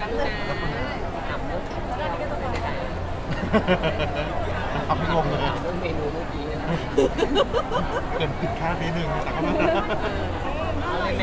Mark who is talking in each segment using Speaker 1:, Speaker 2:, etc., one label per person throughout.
Speaker 1: ตั้งนานถามเรื่องที่เราไม่ได้
Speaker 2: เอาไม่งงเลย
Speaker 1: เรื่องเมนูเมื่อกี้นะ
Speaker 2: เกินผิดคาดนิดนึงแต่ก็ไม่
Speaker 1: เอาเลยไหม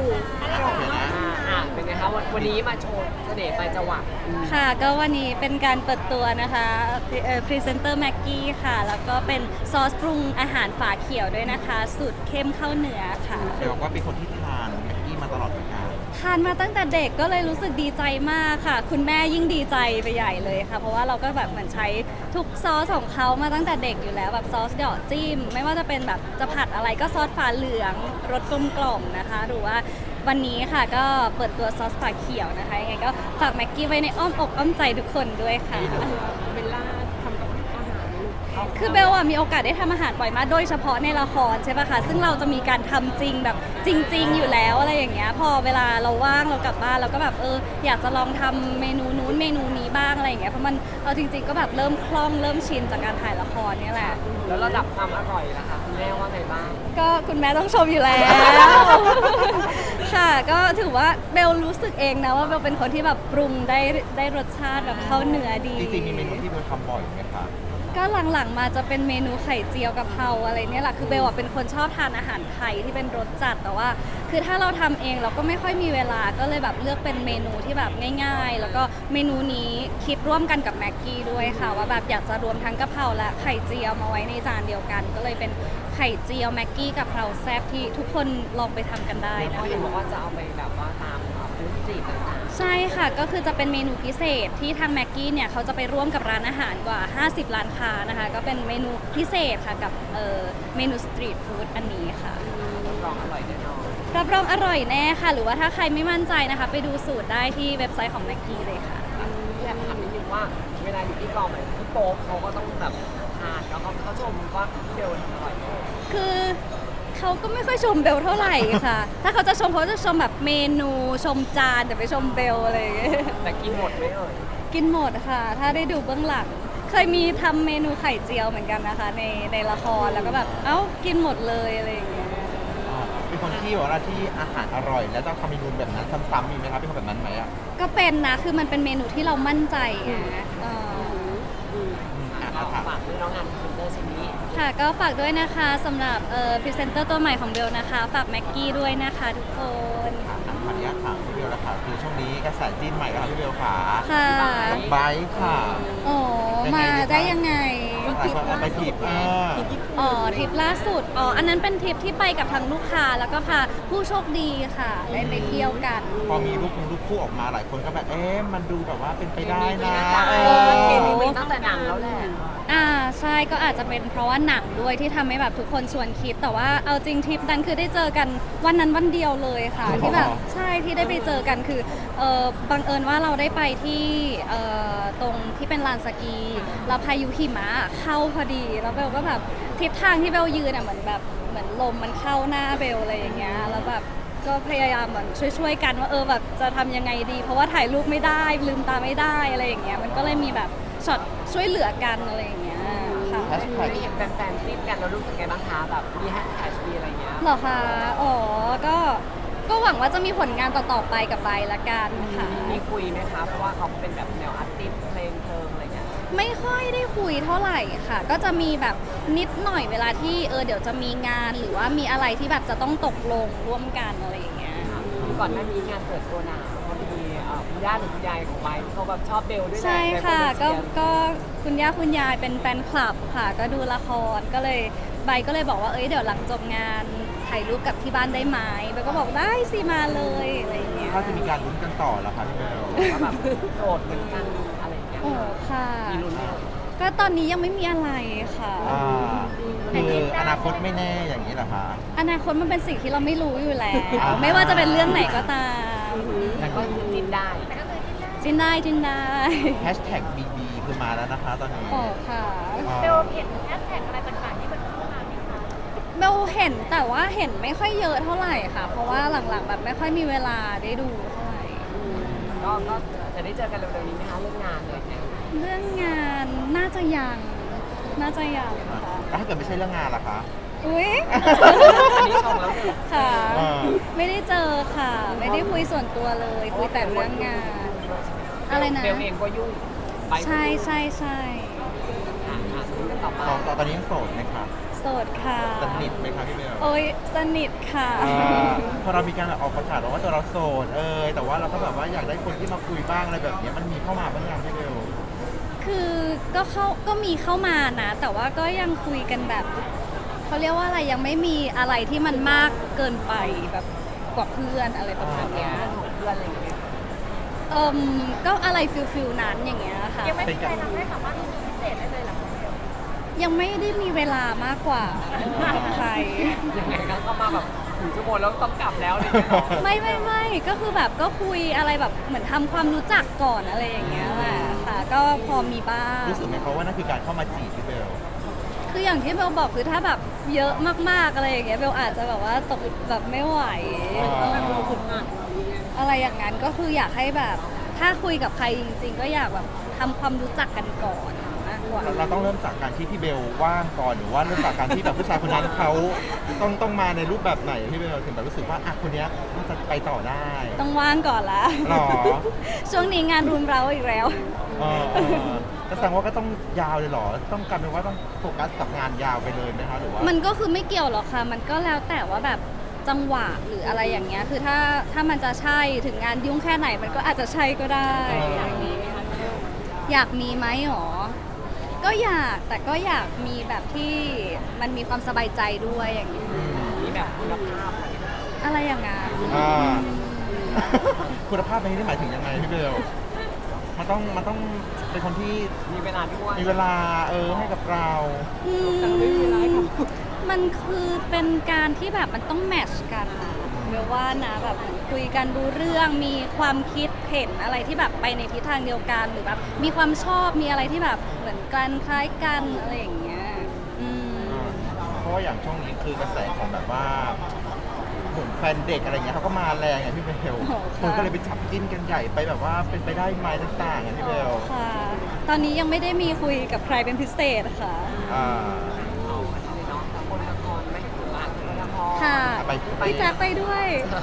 Speaker 1: เป็นไงคะวันนี้มาโชว์เสน่ห์ปลายจวัก
Speaker 3: ค่ะก็วันนี้เป็นการเปิดตัวนะคะพรีเซนเตอร์แม็กกี้ค่ะ แล้วก็เป็นซอสปรุงอาหารฝาเขียวด้วยนะคะสูตรเข้มข้าวเหนือค่ะ
Speaker 2: เดี๋ยวว่าเป็นคนที่ทานแม็กกี้มาตลอดเหมือนกัน
Speaker 3: ทานมาตั้งแต่เด็กก็เลยรู้สึกดีใจมากค่ะ คุณแม่ยิ่งดีใจไปใหญ่เลยค่ะ เพราะว่าเราก็แบบเหมือนใช้ทุกซอสของเขามาตั้งแต่เด็กอยู่แล้วแบบซอสเดาะจิ้มไม่ว่าจะเป็นแบบจะผัดอะไรก็ซอสฝาเหลืองรสกลมกล่อมนะคะหรือว่าวันนี้ค่ะก็เปิดตัวซอสฝาเขียวนะคะยังไงก็ฝากแม็กกี้ไว้ในอ้อมอกอ้อมใจทุกคนด้วยค่ะ
Speaker 1: เบลล่าทำกับอาหาร
Speaker 3: คือเบลอะมีโอกาสได้ทำอาหารบ่อยมากโดยเฉพาะในละครใช่ปะคะซึ่งเราจะมีการทำจริงแบบจริง ๆ อยู่แล้วอะไรอย่างเงี้ยพอเวลาเราว่างเรากลับบ้านเราก็แบบอยากจะลองทำเมนูนู้นเมนูนี้บ้างอะไรอย่างเงี้ยเพราะมันเอาจริง ๆ ก็แบบเริ่มคล่องเริ่มชินจากการถ่ายละครเนี่ยแหละ
Speaker 1: แล้วระดับความอร่อยล่ะคะคุณแม่ว่าไงบ้าง
Speaker 3: ก็คุณแม่ต้องชมอยู่แล้ว ค่ะก็ถือว่าเบลรู้สึกเองนะว่าเบลเป็นคนที่แบบปรุงได้รสชาติแบบเข้าเนื้อดี
Speaker 2: จริงๆมีเมนูที่เบลทำบ่อยไหมคะ
Speaker 3: ก็หลังๆมาจะเป็นเมนูไข่เจียวกะเพราอะไรเนี่ยแหละคือเบลอะเป็นคนชอบทานอาหารไทยที่เป็นรสจัดแต่ว่า คือถ้าเราทำเองเราก็ไม่ค่อยมีเวลาก็เลยแบบเลือกเป็นเมนูที่แบบง่ายๆ แล้วก็เมนูนี้คิดร่วมกันกับแม็กกี้ด้วยค่ะว่าแบบอยากจะรวมทั้งกะเพราและไข่เจียวมาไว้ในจานเดียวกัน ก็เลยเป็นไข่เจียวแม็กกี้กะเพราแซ่บที่ทุกคนลองไปทำกันได้
Speaker 1: เพ
Speaker 3: นะ
Speaker 1: ราะเห็นบอก
Speaker 3: คะ
Speaker 1: ว่าจะเอาไปแบบว่าตามฟู้ดสตรีทต่าง
Speaker 3: ใช่ค่ะก็คือจะเป็นเมนูพิเศษที่ทางแม็กกี้เนี่ยเขาจะไปร่วมกับร้านอาหารกว่า 50 ร้านค้านะคะก็เป็นเมนูพิเศษค่ะกับเมนูสตรีทฟู้ดอันนี้ค่ะ
Speaker 1: ๆรับรองอร่อยแน่นอน
Speaker 3: รับรองอร่อยแน่ค่ะ หรือว่าถ้าใครไม่มั่นใจนะคะ ไปดูสูตรได้ที่เว็บไซต์ของแม็กกี้เลยค่ะ
Speaker 1: อยากถามนิดนึงว่าเวลาอยู่ที่กองแบบพี่โป๊ปเขาก็ต้องแบบทานแล้วเขาชมว่าพี่เบลทำอร่อยมาก
Speaker 3: คือเขาก็ไม่ค่อยชมเบลเท่าไหร่ค่ะ ถ้าเขาจะชมเขาจะชมแบบเมนูชมจานแต่ไม่ชมเบลอะไรอย่างเงี้ย
Speaker 1: แต่กินหมดไหมเอ่ย
Speaker 3: กินหมดค่ะ ถ้าได้ดูเบื้องหลัง เคยมีทำเมนูไข่เจียวเหมือนกันนะคะ ในละครแล้วก็แบบเอ้ากินหมดเลยอะไรอย่างเงี้ย
Speaker 2: เป็นคนที่บอกว่าที่อาหารอร่อย แล้วจะทำเมนูแบบนั้นซ้ำๆมีไหมครับเป็นคนแบบนั้นไหมอ่ะ
Speaker 3: ก็เป็นนะ คือมันเป็นเมนูที่เรามั่นใจไง
Speaker 1: ก็ฝากด้วยน้องงานพรีเซนเตอร์ชิ้นนี้
Speaker 3: ค่ะก็ฝากด้วยนะคะสำหรับพรีเซนเตอร์ตัวใหม่ของเบลนะคะ ฝากแม็กกี้ด้วยนะคะทุกคน
Speaker 2: ขออนุญาตถามพี่เบลนะคะคือช่วงนี้กระแสจีนใหม่แล้วค่ะพี่เบลขา
Speaker 3: ค่ะ
Speaker 2: ไบค์ค่ะ
Speaker 3: โอ้มาได้ยังไง
Speaker 2: หลายคนเอาไปถีบ
Speaker 3: ทริปล่าสุดอันนั้นเป็นทริปที่ไปกับทางลูกค้าแล้วก็พาผู้โชคดีค่ะได้ไปเที่ยวกัน
Speaker 2: พอมีรูปคู่ออกมาหลายคนก็แบบมันดูแบบว่าเป็นไปได้นะ
Speaker 1: เคมีมีตั้งแต่หนังแล้วแหละ
Speaker 3: ใช่ก็อาจจะเป็นเพราะว่าหนังด้วยที่ทำให้แบบทุกคนชวนคิดแต่ว่าเอาจริงทริปนั้นคือได้เจอกันวันนั้นวันเดียวเลยค่ะ ที่แบบใช่ที่ได้ไปเจอกันคือบังเอิญว่าเราได้ไปที่ตรงที่เป็นลานสกีแล้วพายุหิมะเข้าพอดีแล้วเบลก็แบบทิศทางที่เบลยืนเหมือนลมมันเข้าหน้าเบลอะไรอย่างเงี้ยแล้วแบบก็พยายามเหมือนช่วยกันว่าแบบจะทำยังไงดี เพราะว่าถ่ายรูปไม่ได้ลืมตาไม่ได้อะไรอย่างเงี้ยมันก็เลยมีแบบช็อตช่วยเหลือกันอะไรอย่างเงี้ยค่ะ
Speaker 2: แฮชแท็ก
Speaker 1: ได้เห็นแฟนๆจิ้นกันแล้วรู้สึกไงบ้างคะแบบมีแฮชแท็กมีอะไรเงี้ย
Speaker 3: เหรอคะก็หวังว่าจะมีผลงานต่อๆไปกับไบร์ทละกันค่ะ
Speaker 1: มีคุยไหมคะเพราะว่าเขาเป็นแบบแนวอาร์ติสต์เพลงเพลิงอะไรเงี้ย
Speaker 3: ไม่ค่อยได้คุยเท่าไหร่ค่ะ ก็จะมีแบบนิดหน่อยเวลาที่เดี๋ยวจะมีงานหรือว่ามีอะไรที่แบบจะต้องตกลงร่วมกันอะไรอย่างเงี้ย
Speaker 1: ก่อนหน้านี้งานเปิดตัวหนังพอดีคุณย่าหรือคุณยายของไบค์เขาแบบชอบเบลด้วยแหละ
Speaker 3: ใช่ค่ะ
Speaker 1: หลายน
Speaker 3: ก็
Speaker 1: เชียร์
Speaker 3: ก็คุณย่าคุณยายเป็นแฟนคลับค่ะ ก็ดูละครก็เลยไบร์ทก็เลยบอกว่าเดี๋ยวหลังจบงานถ่ายรูปกับที่บ้านได้ไหมไบร์ทก็บอกได้สิมาเลยอะไรอย่างเงี้ย
Speaker 2: ถ้าจะมีการลุ้นกันต่อแล้วค่ะพี่เบล
Speaker 1: ว่าแบบโสดเหมือนกันอะไรอย่างเงี้ย
Speaker 3: โอ้ค่ะ
Speaker 1: มีลุ้นไหมเอ่ย
Speaker 3: ก็ตอนนี้ยังไม่มีอะไรค่ะ
Speaker 2: คืออนาคตไม่แน่อย่างนี้เหรอคะ
Speaker 3: อนาคตมันเป็นสิ่งที่เราไม่รู้อยู่แล้ว
Speaker 2: อ่า
Speaker 3: ไม่ว่าจะเป็นเรื่องไหนก็ตาม
Speaker 1: แต่ก็คือจิ้นได้
Speaker 3: จินได้
Speaker 2: แฮชแท็ก BB คือมาแล้วนะคะตอนนี้
Speaker 3: โอ้ค่ะ
Speaker 2: อ่า
Speaker 4: เบลเห็นแฮชแท็กอะไรต่างๆที่มันเข้ามาไหมคะ
Speaker 3: เบลเห็นแต่ว่าเห็นไม่ค่อยเยอะเท่าไหร่ค่ะ เพราะว่าหลังๆแบบไม่ค่อยมีเวลาได้ดูเท่าไหร่
Speaker 1: ก็จะได้เจอกันเร็วๆนี้ไหมคะเรื่องงานเลยเนี่ย
Speaker 3: เรื่องงานน่าจะยังค่ะ
Speaker 2: แล้วถ้าเกิดไม่ใช่เรื่องงานล่ะคะ
Speaker 3: อุ้ย
Speaker 1: อันนี้ชมแล้วหนึ่ง
Speaker 3: ค่ะ
Speaker 2: อ่า
Speaker 3: ไม่ได้เจอค่ะ ไม่ได้คุยส่วนตัวเลยคุยแต่เรื่องงาน
Speaker 1: ใช่ไหม
Speaker 3: อะไรนะ
Speaker 1: เบลเองก็ยุ่งไป
Speaker 3: ใช่ใช่ใช่
Speaker 1: กันต่อไป
Speaker 2: ตอนนี้ยังโสดไหมคะ
Speaker 3: โสดค่ะ
Speaker 2: สนิทไหมคะพี่เบล
Speaker 3: โอ้ยสนิทค่ะ
Speaker 2: พอเรามีการแบบออกประกาศว่าตัวเราโสดแต่ว่าเราก็แบบว่าอยากได้คนที่มาคุยบ้างอะไรแบบเนี้ยมันมีเข้ามาบ้างยังพี่เบล
Speaker 3: คือก็มีเข้ามานะ แต่ว่าก็ยังคุยกันแบบเขาเรียกว่าอะไรยังไม่มีอะไรที่มันมากเกินไปแบบกว่าเพื่อนอะไรประมาณเนี้ย
Speaker 1: ของเพื่อนอะไรอย่างเงี้ย
Speaker 3: ก็อะไรฟิลนั้นอย่างเงี้ยค่ะ
Speaker 4: ยังไม่มีใครทำให้สามารถรู้สึกพิเศษได้เลยเหรอคะเบล
Speaker 3: ยังไม่ได้มีเวลามากกว่ากับใคร
Speaker 1: ยังไงก็เข้ามาแบบถึงชั่วโมงแล้วต้องกลับแล้วเลยเนาะ
Speaker 3: ไม่ก็คือแบบก็คุยอะไรแบบเหมือนทำความรู้จักก่อนอะไรอย่างเงี้ยแหละค่ะ ก็พอมีบ้าง
Speaker 2: รู้สึกไหมเขาว่านั่นคือการเข้ามาจีบพี่เบล
Speaker 3: คืออย่างที่เบลบอกคือถ้าแบบเยอะมากๆอะไรอย่างเงี้ยเบลอาจจะแบบว่าตกแบบไม่ไหว อะไรอย่างนั้นก็คืออยากให้แบบถ้าคุยกับใครจริงๆ ก็อยากแบบทำความรู้จักกันก่อนมากกว่า
Speaker 2: เราต้องเริ่มจากการที่พี่เบลว่างก่อนหรือว่าเริ่มจากการที่แบบผู้ชายคนนั้นเขาต้องมาในรูปแบบไหนพี่เบลถึงแบบรู้สึกว่าอ่ะคนเนี้ยน่าจะไปต่อได้
Speaker 3: ต้องว่างก่อนละ
Speaker 2: หรอ
Speaker 3: ช่วงนี้งานรุมเราอีกแล้ว
Speaker 2: ก็แสดงว่าก็ต้องยาวเลยเหรอต้องกลายเป็นว่าต้องโฟกัสกับงานยาวไปเลยไหมคะหรือว่า
Speaker 3: มันก็คือไม่เกี่ยวหรอกค่ะ มันก็แล้วแต่ว่าแบบจังหวะหรืออะไรอย่างเงี้ย คือถ้ามันจะใช่ถึงงานยุ่งแค่ไหนมันก็อาจจะใช่ก็ได้อย่างนี้อยากมีไหมหรอ ก็อยากแต่ก็อยากมีแบบที่มันมีความสบายใจด้วยอย่างนี้
Speaker 1: มีแบบคุณภาพอะไร
Speaker 3: อะไรอย่างงั้น
Speaker 2: อ่า คุณภาพในที่นี้หมายถึงยังไงพี่เบลมันต้องเป็นคนที่
Speaker 1: มีเวลาด้วย
Speaker 2: มีเวลาให้กับเรา
Speaker 3: อืมมันคือเป็นการที่แบบมันต้องแมทช์กันอะเรียกว่านะแบบคุยกันรู้เรื่องมีความคิดเห็นอะไรที่แบบไปในทิศทางเดียวกันหรือแบบมีความชอบมีอะไรที่แบบเหมือนกันคล้ายกันอะไรอย่างเงี้ยอืม
Speaker 2: เพราะว่าอย่างช่วงนี้คือกระแสของแบบว่าเหมือนแฟนเด็กอะไรเงี้ยเขาก็มาแรงไงพี่เบล
Speaker 3: โอ้
Speaker 2: ค
Speaker 3: ค่ะ
Speaker 2: นก็เลยไปจับจิ้นกันใหญ่ไปแบบว่าเป็นไปได้ไหมต่างๆไงพี่เบล
Speaker 3: ค่ะ ตอนนี้ยังไม่ได้มีคุยกับใครเป็นพิเศษค่ะ
Speaker 2: อ่า
Speaker 1: เอาอะไรเนาะคนละครไหมหรือว่าคนละคร
Speaker 3: ค่ะ
Speaker 2: ไป
Speaker 3: พี่แจ๊คไปด้วย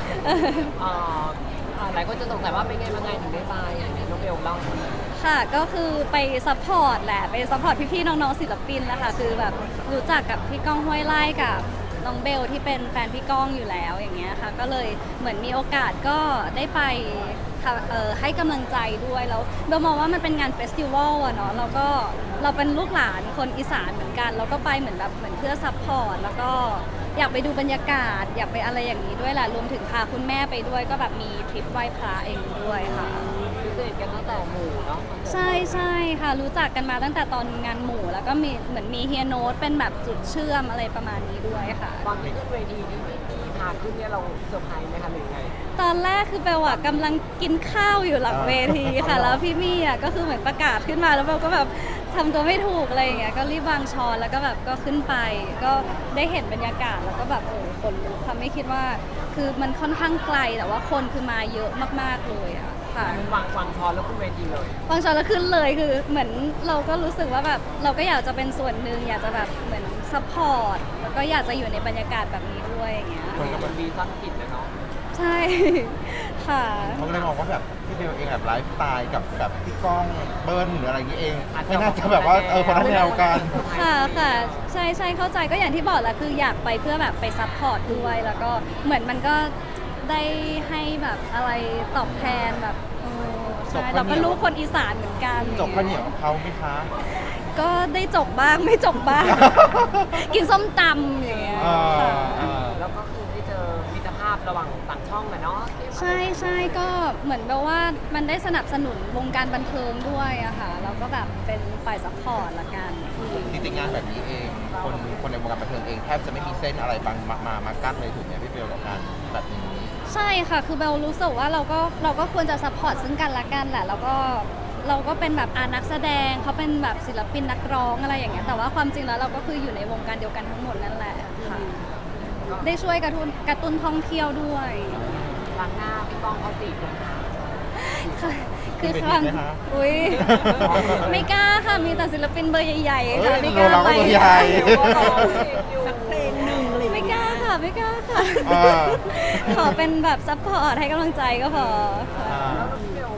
Speaker 1: หลายคนจะสงสัยว่าเป็นไงมาไงถึงได้ไปอย่างนี้น้องเบลเล่าให้ฟังหน่อย
Speaker 3: ค่ะก็คือไปซัพพอร์ตแหละไปซัพพอร์ตพี่ๆน้องๆศิลปินแหละค่ะคือแบบรู้จักกับพี่ก้องห้วยไล่กับน้องเบลที่เป็นแฟนพี่ก้องอยู่แล้วอย่างเงี้ยค่ะก็เลยเหมือนมีโอกาสก็ได้ไปให้กำลังใจด้วยแล้วเบลมองว่ามันเป็นงานเฟสติวัลอะเนาะแล้วก็เราเป็นลูกหลานคนอีสานเหมือนกันเราก็ไปเหมือนแบบเหมือนเพื่อซัพพอร์ตแล้วก็อยากไปดูบรรยากาศ อยากไปอะไรอย่างนี้ด้วยแหละรวมถึงพาคุณแม่ไปด้วยก็แบบมีทริปไหว้พระเองด้วยค่ะ
Speaker 1: พิเศษกันตั้งแต่หมู่เนาะ
Speaker 3: ใช่ใช่ค่ะรู้จักกันมาตั้งแต่ตอนงานหมู่แล้วก็มีเหมือนมีเฮียโน้ตเป็นแบบจุดเชื่อมอะไรประมาณนี้ด้วยค่ะ
Speaker 1: ตอนที่ขึ้นเวทีนี่ที่พาขึ้นเนี่ยเราเซอร์ไพรส์ไหมคะหรือไง
Speaker 3: ตอนแรกคือเบลอะกำลังกินข้าวอยู่หลังเวทีค่ะ แล้วพี่มี่อะก็คือเหมือนประกาศขึ้นมาแล้วเบลก็แบบทำตัวไม่ถูกอะไรอย่างเงี้ยก็รีบวางช้อนแล้วก็แบบก็ขึ้นไป ก็ได้เห็นบรรยากาศแล้วก็แบบคนลุกค่ะไม่คิดว่าคือมันค่อนข้างไกลแต่ว่าคนคือมาเยอะมากๆเลยอะค่ะ
Speaker 1: วางช้อนแล้วขึ้นเวทีเลย
Speaker 3: ฟังก์ชันแล้วขึ้นเลยคือเหมือนเราก็รู้สึกว่าแบบเราก็อยากจะเป็นส่วนหนึ่งอยากจะแบบเหมือนซัพพอร์ตแล้วก็อยากจะอยู่ในบรรยากาศแบบนี้ด้วยอย่างเงี้ย
Speaker 1: คนก็มันดีสร้างกิจนะเนาะ
Speaker 3: ใช่ ค่ะ
Speaker 2: เขาก็เลยมองว่าแบบพี่เบลเองแบบไลฟ์สไตล์กับแบบพี่ก้องเบิ้ลหรืออะไรอย่างนี้เองไม่น่าจะแบบว่าคนละแนวกัน
Speaker 3: ค่ะค่ะใช่ใช่เข้าใจก็อย่างที่บอกแหละคืออยากไปเพื่อแบบไปซัพพอร์ตด้วยแล้วก็เหมือนมันก็ได้ให้แบบอะไรตอบแทนแบบใช่เราก็รู้คนอีสานเหมือนกัน
Speaker 2: จบข้าวเหนียวกับเขาไหมคะ
Speaker 3: ก็ได้จบบ้างไม่จบบ้าง กินส้มตำอย่างเงี้ยค่ะ
Speaker 1: แล้วก็คือได้เจอมิตรภาพระหว่างต่างช่องนะเนาะ
Speaker 3: ใช่ใช่ก็เหมือนแบบว่ามันได้สนับสนุนวงการบันเทิงด้วยอะค่ะแล้วก็แบบเป็นฝ่ายซัพพอร์ตละกัน
Speaker 2: จริงๆงานแบบนี้เองคนในวงการบันเทิงเองแทบจะไม่มีเส้นอะไรบางมากั้นเลยถูกไหมพี่เบลกับงานแบบนี้
Speaker 3: ใช่ค่ะคือเบลรู้สึกว่าเราก็ควรจะซัพพอร์ตซึ่งกันและกันแหละแล้วก็เราก็เป็นแบบนักแสดงเขาเป็นแบบศิลปินนักร้องอะไรอย่างเงี้ยแต่ว่าความจริงแล้วเราก็คืออยู่ในวงการเดียวกันทั้งหมดนั่นแหละค่ะได้ช่วยกระตุ้นท่องเที่ยวด้วย
Speaker 1: ครั้งหน้าพี่ก้องเขาจีบนะคะ
Speaker 3: ค่ะคือ
Speaker 2: มี
Speaker 3: ครั้ง
Speaker 2: ไหมคะ
Speaker 3: อุ้ยไม่กล้าค่ะมีแต่ศิลปินเบอร์ใหญ่ๆ
Speaker 2: เอ้
Speaker 3: ค่ะ
Speaker 2: ย
Speaker 3: ไม่กล้า
Speaker 2: เรา
Speaker 3: ไป
Speaker 2: ก็ตัวใหญ่
Speaker 1: สักเพลงหนึ่ง
Speaker 3: ไม่กล้าค่ะไม่กล้าค่ะ
Speaker 2: อ่า
Speaker 3: ขอเป็นแบบซัพพอร์ตให้กำลังใจก็พอค่ะ
Speaker 1: แล้วพี่เบลพอ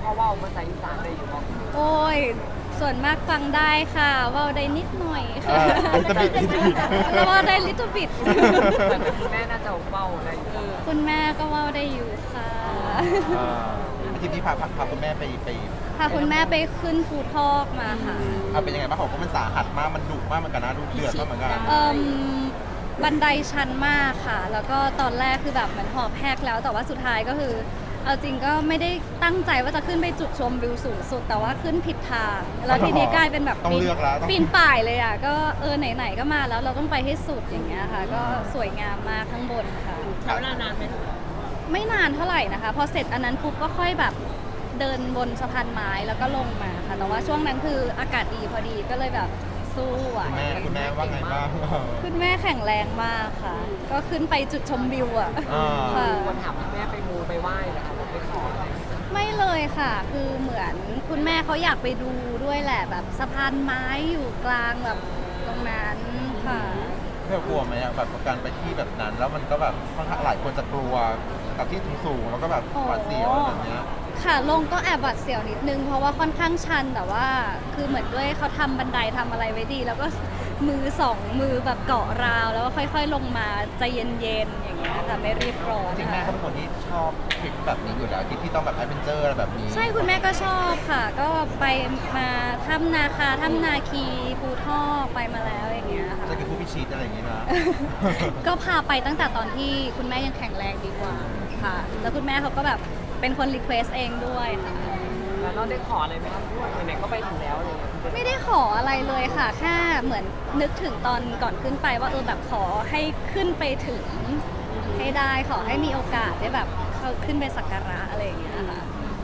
Speaker 1: เขาเว่าภาษาอีสานได้อยู่บ่
Speaker 3: โอ้ย ส่วนมากฟังได้ค่ะเว่าได้นิดหน่อย
Speaker 2: เอ
Speaker 3: ค่ะ
Speaker 2: อลิตบิดลิตบิด
Speaker 3: แล้วเว่าได้ little bit
Speaker 1: แต่คุณแม่น่าจะเว้าได้อยู่
Speaker 3: คุณแม่ก็เว่าได้อยู่ค่ะ
Speaker 2: อาทิตย์นี้พาคุณแม่ไป
Speaker 3: พาคุณแม่ไปขึ้นภูทอกมาค่ะ
Speaker 2: เอาเป็นยังไงบ้างของก็มันสาหัสมากมันดุมากเหมือนกันนะดูเดือดมากเหมือนกัน
Speaker 3: บันไดชันมากค่ะ แล้วก็ตอนแรกคือแบบเหมือนหอบแหกแล้ว แต่ว่าสุดท้ายก็คือ เอาจริงก็ไม่ได้ตั้งใจว่าจะขึ้นไปจุดชมวิวสูงสุด แต่ว่าขึ้นผิดทาง แล้วทีนี้กลายเป็นแบบ
Speaker 2: ต้องเลือกแล้วต้อง
Speaker 3: ปีนป่ายเลยอ่ะ ก็ไหนๆก็มาแล้วเราต้องไปให้สุดอย่างเงี้ยค่ะ ก็สวยงามมากข้างบนค่ะ
Speaker 4: ใช้เวลานานไหม
Speaker 3: ไม่นานเท่าไหร่นะคะ พอเสร็จอันนั้นปุ๊บก็ค่อยแบบเดินบนสะพานไม้แล้วก็ลงมาค่ะ แต่ว่าช่วงนั้นคืออากาศดีพอดีก็เลยแบบสู้อ่ะ
Speaker 2: คุณแม่ว่าไงบ้าง
Speaker 3: คุณแม่แข็งแรงมากค่ะ ก็ขึ้นไปจุดชมวิวอ่ะ
Speaker 2: อ่า
Speaker 3: ค่ะ
Speaker 1: วันถามคุณแม่ไปมูไปไหว้นะคะไปขออะไร
Speaker 3: ไม่เลยค่ะ คือเหมือนคุณแม่เขาอยากไปดูด้วยแหละแบบสะพานไม้อยู่กลางแบบตรงนั้นค่ะ
Speaker 2: เธอกลัวไหมอะแบบการไปที่แบบนั้น แล้วมันก็แบบค่อนข้างหลายคนจะกลัวกับที่สูงๆแล้วก็แบบหวาดเสียวอะไรแบบเนี้ย
Speaker 3: ค่ะลงก็แอบหวาดเสียวนิดนึงเพราะว่าค่อนข้างชันแต่ว่าคือเหมือนด้วยเขาทำบันไดทำอะไรไว้ดี แล้วก็มือสองมือแบบเกาะราว แล้วก็ค่อยๆลงมาใจเย็นๆอย่างเงี้ยค่ะไม่รีบร้อน
Speaker 2: จริงๆแม่เขาเป็นคนที่ชอบทริปแบบนี้อยู่แล้วทริปที่ต้องแบบแอดเวนเจอร์อะไรแบบนี้
Speaker 3: ใช่คุณแม่ก็ชอบค่ะ ก็ไปมาถ้ำนาคาถ้ำนาคีภูทอกไปมาแล้วอย่างเงี้ยค่ะ
Speaker 2: จะกินผู้พิชิตอะไรอย่างงี้นะ
Speaker 3: ก็พาไปตั้งแต่ตอนที่คุณแม่ยังแข็งแรงดีกว่าค่ะ แล้วคุณแม่เขาก็แบบเป็นคนรีเควสเองด้วยค่ะ
Speaker 1: แล้วเราได้ขออะไรไหมครับไหนๆก็ไปถึงแล้วอะไรเงี้ย
Speaker 3: ไม่ได้ขออะไรเลยค่ะ แค่เหมือนนึกถึงตอนก่อนขึ้นไปว่าแบบขอให้ขึ้นไปถึงให้ได้ขอให้มีโอกาสได้แบบเข้าขึ้นไปสักการะอะไรอย่างเงี้ยค่ะ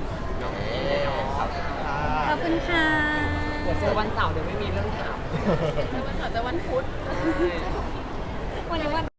Speaker 3: ขอบคุณค่ะ
Speaker 1: เดี๋ยวเจอวันเสาร์เดี๋ยวไม่มีเรื่องถาม
Speaker 4: วันเสาร์จะวันพุธ
Speaker 3: วันนี้วัน